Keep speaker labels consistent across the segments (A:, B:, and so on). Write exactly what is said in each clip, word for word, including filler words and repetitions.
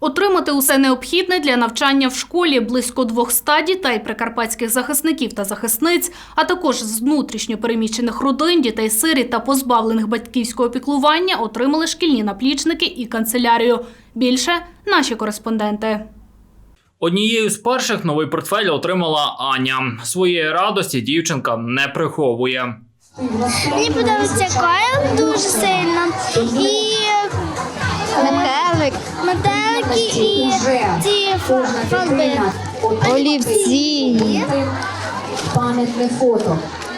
A: Отримати усе необхідне для навчання в школі близько двохсот дітей прикарпатських захисників та захисниць, а також з внутрішньо переміщених родин, дітей-сиріт та позбавлених батьківського піклування отримали шкільні наплічники і канцелярію. Більше – наші кореспонденти.
B: Однією з перших новий портфель отримала Аня. Своєї радості дівчинка не приховує.
C: Мені подобається колір дуже сильно і
D: метелик,
C: метелики і ці фарби.
D: олівці,
E: пам'ятне фото.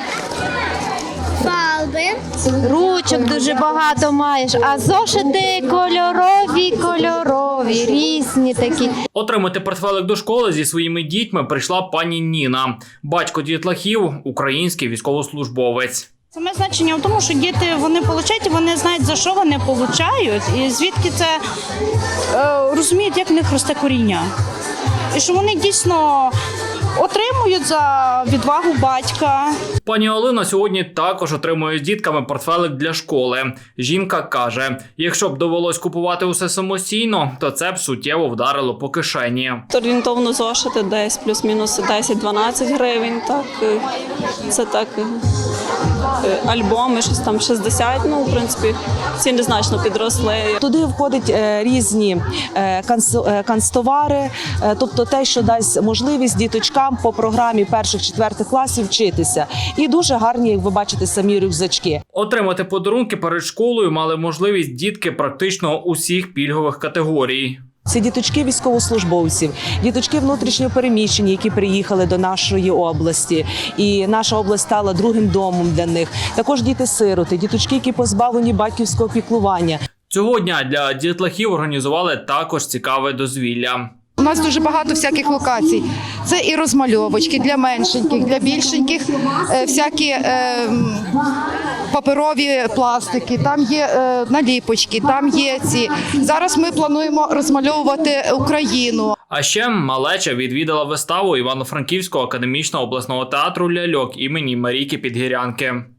C: Фарби.
D: ручок дуже багато маєш, а зошити кольорові, кольорові, різні такі.
B: Отримати портфелик до школи зі своїми дітьми прийшла пані Ніна. Батько дітлахів – український військовослужбовець.
F: Саме значення в тому, що діти вони получають, вони знають, за що вони получають, і звідки це е, розуміють, як в них росте коріння. І що вони дійсно отримують за відвагу батька.
B: Пані Олена сьогодні також отримує з дітками портфелик для школи. Жінка каже, якщо б довелось купувати усе самостійно, то це б суттєво вдарило по кишені.
G: Орієнтовно зошити десь плюс-мінус десять-дванадцять гривень. Так, це так, альбоми, щось там шістдесят, ну, в принципі, ціни значно підросли.
H: Туди входять різні канцтовари, тобто те, що дасть можливість діточкам по програмі перших-четвертих класів вчитися. І дуже гарні, як ви бачите, самі рюкзачки.
B: Отримати подарунки перед школою мали можливість дітки практично усіх пільгових категорій.
H: Це діточки військовослужбовців, діточки внутрішньо переміщені, які приїхали до нашої області. І наша область стала другим домом для них. Також діти-сироти, діточки, які позбавлені батьківського піклування.
B: Цього дня для дітлахів організували також цікаве дозвілля.
I: У нас дуже багато всяких локацій. Це і розмальовочки для меншеньких, для більшеньких, всякі е, паперові пластики, там є е, наліпочки, там є ці. Зараз ми плануємо розмальовувати Україну.
B: А ще малеча відвідала виставу Івано-Франківського академічного обласного театру «Ляльок» імені Марійки Підгірянки.